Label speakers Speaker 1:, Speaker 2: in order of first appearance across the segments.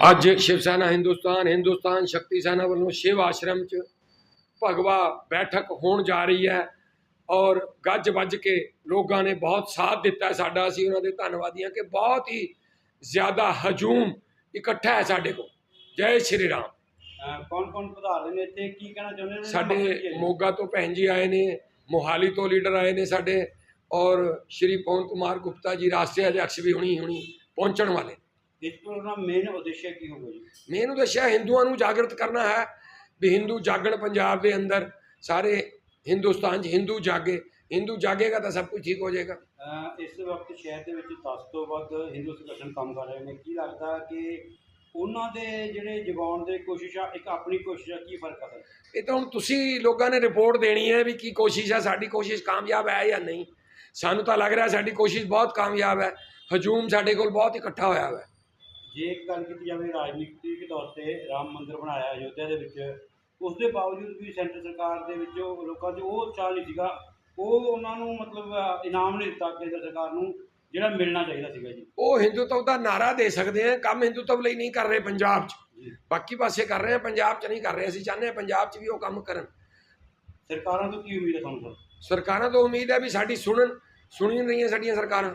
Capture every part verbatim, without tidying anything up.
Speaker 1: ਅੱਜ शिव सेना हिंदुस्तान हिंदुस्तान शक्ति सेना वालों शिव आश्रम च भगवा बैठक होने जा रही है और गज बज के लोगों ने बहुत साथ दिता है साडा। असीं उन्हां दे धन्नवादी हां कि बहुत ही ज़्यादा हजूम इकट्ठा है साडे कोल। जय श्री राम।
Speaker 2: कौन कौन पधार रहे ने, की कहना चाहुंदे ने?
Speaker 1: साडे मोगा तो भैन जी आए ने, मोहाली तो लीडर आए ने साडे, और श्री पवन कुमार गुप्ता जी राष्ट्रीय अध्यक्ष भी हुणी हुणी पहुंचण वाले।
Speaker 2: इस प्रोग्राम मेन उद्देश्य की होगा जी?
Speaker 1: मेन उद्देश्य हिंदुओं को जागृत करना है भी हिंदू जागण पंजाब के अंदर सारे हिंदुस्तान हिंदू जागे। हिंदू जागेगा तो सब कुछ ठीक हो जाएगा।
Speaker 2: इस वक्त शहर के दस तो वध हिंदू संगठन काम कर रहे हैं, की लगता कि उन्होंने जिहड़े जगाउण दी कोशिश आ, एक अपनी कोशिश आ, की फर्क है?
Speaker 1: ये तो हुण तुसीं लोगों ने रिपोर्ट देनी है भी की कोशिश है, साडी कोशिश कामयाब है या नहीं। सानू तो लग रहा है साडी कोशिश बहुत कामयाब है। हजूम साडे कोल बहुत इकट्ठा होया है।
Speaker 2: जे एक गल की जाए राजनीतिक तौर पर राम मंदिर बनाया अयोध्या के विच, उसके बावजूद भी सेंटर सरकार के लोगों को वो उत्साह नहीं सीगा, वो उन्होंने मतलब इनाम नहीं दिता केंद्र सरकार को जिहड़ा मिलना चाहिए सीगा जी। वो
Speaker 1: हिंदुत्व का नारा दे सकते हैं, काम हिंदुत्व लिए नहीं कर रहे पंजाब च, बाकी पासे कर रहे हैं, पंजाब च नहीं कर रहे। असीं चाहते हैं पंजाब च भी वो काम करन।
Speaker 2: सरकारों तो की उम्मीद है तुहानूं?
Speaker 1: सरकारों तो उम्मीद है भी साडी सुनन, सुनी नहीं है साडियां सरकारां।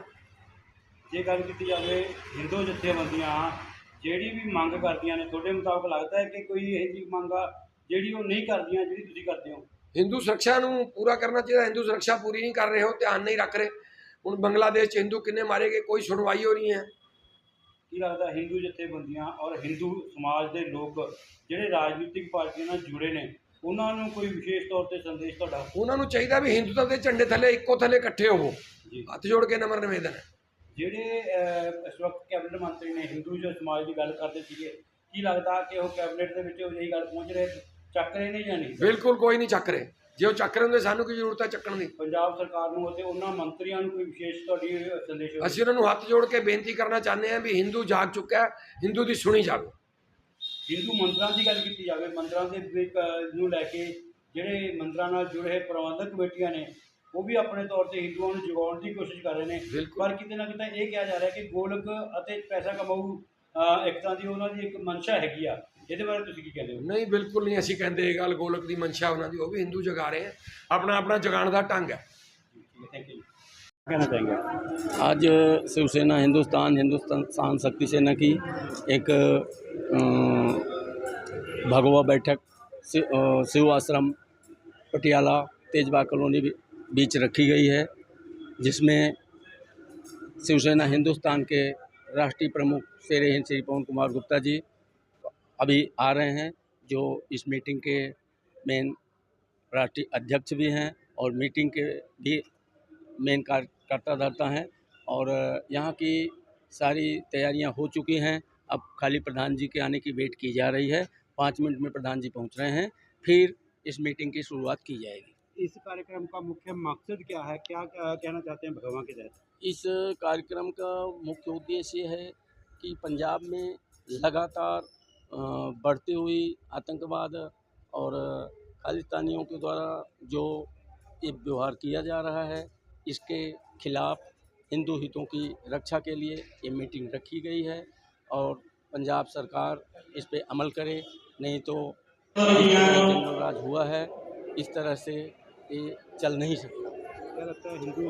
Speaker 2: जे गल की जाए हिंदू जथेबंदियां जिहड़ी भी मंग करदियां ने, तुहाडे मुताबिक लगता है कि कोई इहो जी मंग आ जिहड़ी वो नहीं करदियां जिहड़ी तुसीं करदे हो? हिंदू
Speaker 1: सुरक्षा नूं पूरा करना चाहिए। हिंदू सुरक्षा पूरी नहीं कर रहे हो, ध्यान नहीं रख रहे। हुण बांग्लादेश हिंदू किन्ने मारे गए, कोई सुनवाई हो नहीं है।
Speaker 2: की लगता हिंदू जथेबंदियां और हिंदू समाज के लोग जिहड़े राजनीतिक पार्टियों नाल जुड़े ने, उन्होंने कोई विशेष तौर पर संदेश तुहाडा?
Speaker 1: उन्होंने चाहिए भी हिंदुत्व के झंडे थले इक्को थले इकट्ठे होवो। हथ जोड़ के नम्र निवेदन है।
Speaker 2: जिहड़े इस वक्त कैबिनेट मंत्री ने हिंदू जो समाज की गल करते थे, की लगता कि वो कैबिनेट के विच यही गल पहुँच रहे, चक रहे ने या नहीं?
Speaker 1: बिल्कुल कोई नहीं चक रहे। जे वो चक रहे होंदे सानू की जरूरत है चक्कण दी?
Speaker 2: पंजाब सरकार नूं ते उन्हां मंत्रियों कोई विशेष तुहाडी संदेश?
Speaker 1: असीं उन्हां नूं हथ जोड़ के बेनती करना चाहते हैं भी हिंदू जाग चुका है, हिंदू की सुनी जाए।
Speaker 2: हिंदू मंदिरों की गल की जाए, मंदिरों के नूं लैके जिहड़े मंदिरों नाल जुड़े प्रबंधक कमेटियां ने, वो भी अपने तौर पर हिंदुओं को जगाउण की कोशिश कर रहे हैं, पर किते ना किते ये कहा जा रहा है कि गोलक अते पैसा कमाऊ एक तरह की उन्होंने एक मंशा हैगी आ। इहदे बारे तुसीं की कहते हो?
Speaker 1: नहीं, बिल्कुल नहीं। असीं कहते ये गल गोलक की मंशा उन्होंने, वो भी हिंदू जगा रहे हैं, अपना अपना जगाने का ढंग है।
Speaker 2: Thank you. कहना चाहेंगे
Speaker 3: आज शिवसेना हिंदुस्तान हिंदुस्तान शक्ति सेना की एक भगवा बैठक शिव आश्रम पटियाला तेजबाग कॉलोनी बीच रखी गई है, जिसमें शिवसेना हिंदुस्तान के राष्ट्रीय प्रमुख शेर हिंद श्री पवन कुमार गुप्ता जी अभी आ रहे हैं, जो इस मीटिंग के मेन राष्ट्रीय अध्यक्ष भी हैं और मीटिंग के भी मेन कार्यकर्ता धर्ता हैं। और यहाँ की सारी तैयारियां हो चुकी हैं। अब खाली प्रधान जी के आने की वेट की जा रही है। पाँच मिनट में प्रधान जी पहुँच रहे हैं, फिर इस मीटिंग की शुरुआत की जाएगी।
Speaker 2: इस कार्यक्रम का मुख्य मकसद क्या है, क्या कहना चाहते हैं भगवान के तहत?
Speaker 3: इस कार्यक्रम का मुख्य उद्देश्य है कि पंजाब में लगातार बढ़ती हुई आतंकवाद और खालिस्तानियों के द्वारा जो ये व्यवहार किया जा रहा है, इसके खिलाफ हिंदू हितों की रक्षा के लिए ये मीटिंग रखी गई है। और पंजाब सरकार इस पे अमल करे, नहीं तो जंगल राज हुआ है, इस तरह से ये चल नहीं सकता।
Speaker 2: क्या लगता है हिंदू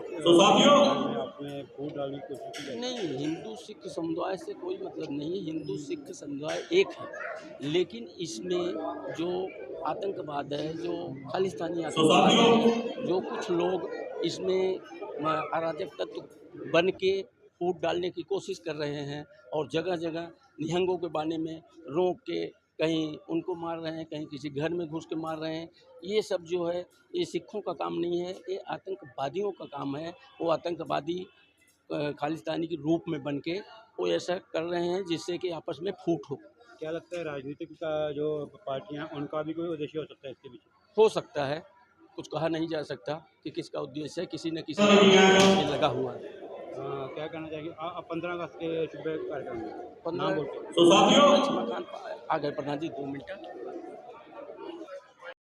Speaker 2: आपने वोट डालने की कोशिश की?
Speaker 3: नहीं, हिंदू सिख समुदाय से कोई मतलब नहीं। हिंदू सिख समुदाय एक है, लेकिन इसमें जो आतंकवाद है, जो खालिस्तानी आतंकवाद है, जो कुछ लोग इसमें अराजक तत्व बन के वोट डालने की कोशिश कर रहे हैं और जगह जगह निहंगों के बाने में रोक के कहीं उनको मार रहे हैं, कहीं किसी घर में घुस के मार रहे हैं। ये सब जो है ये सिखों का काम नहीं है, ये आतंकवादियों का काम है। वो आतंकवादी खालिस्तानी के रूप में बन के वो ऐसा कर रहे हैं जिससे कि आपस में फूट हो।
Speaker 2: क्या लगता है राजनीतिक का जो पार्टियां, उनका भी कोई उद्देश्य हो सकता है इसके पीछे?
Speaker 3: हो सकता है, कुछ कहा नहीं जा सकता कि किसका उद्देश्य है, किसी न किसी में लगा हुआ है।
Speaker 2: आ, क्या कहना चाहिए पंद्रह अगस्त के शुभ कार्यक्रम में?
Speaker 3: पंद्रह आ गए प्रधान जी, दो मिनट।